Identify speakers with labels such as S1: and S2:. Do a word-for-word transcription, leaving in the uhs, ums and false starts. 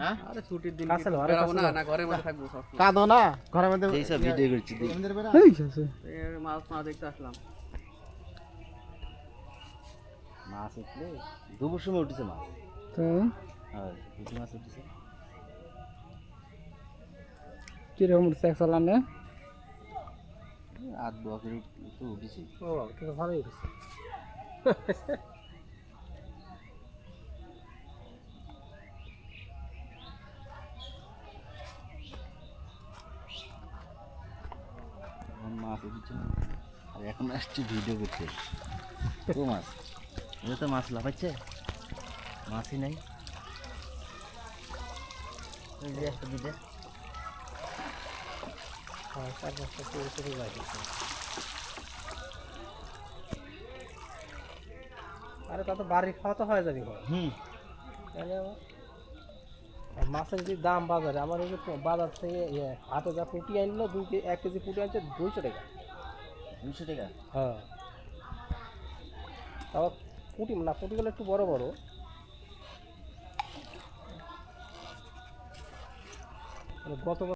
S1: হ্যাঁ আরে ছুটির দিন
S2: কাছে লো, আরে
S1: বেরাবো
S2: কাছে
S1: না
S2: লো।
S1: না ঘরের মধ্যে থাকবো সব সময়।
S2: কাঁদো না ঘরের মধ্যে
S3: এই সব ভিডিও করছি দেখ।
S2: এই আছে
S1: এই মাছ না দেখতে আসলাম।
S3: মাছ উঠলে দুপুর সময় উঠেছে মাছ।
S2: তাই
S3: হ্যাঁ পুঁটি মাছ উঠেছে।
S2: কিরকম সেক্স চালানে
S3: আধ বকের তো উঠেছি।
S2: ও কিন্তু ভালোই হয়েছে
S3: এখন মাছ উঠেছে না। আর এখন আসছে ভিডিও করতে। ও মাছ এটা তো মাছ লাফাচ্ছে, মাছই নাই। ওই যে একটা দুইটা
S2: হ্যাঁ চার পাঁচটা করে করে যাই আরে তা তো বাড়ি খাওয়া তো হয়ে যাবে ঘর
S3: হুম
S2: তাহলে আবার আর মাছের যে দাম বাজারে আমার এই যে বাজার থেকে ইয়ে হাটে যা পুঁটি আনলো দুই কে- এক কেজি পুঁটি আনছে দুইশো টাকা
S3: দুশো টাকা।
S2: হ্যাঁ তাও পুঁটি না পুঁটিগুলো একটু বড় বড় মানে গত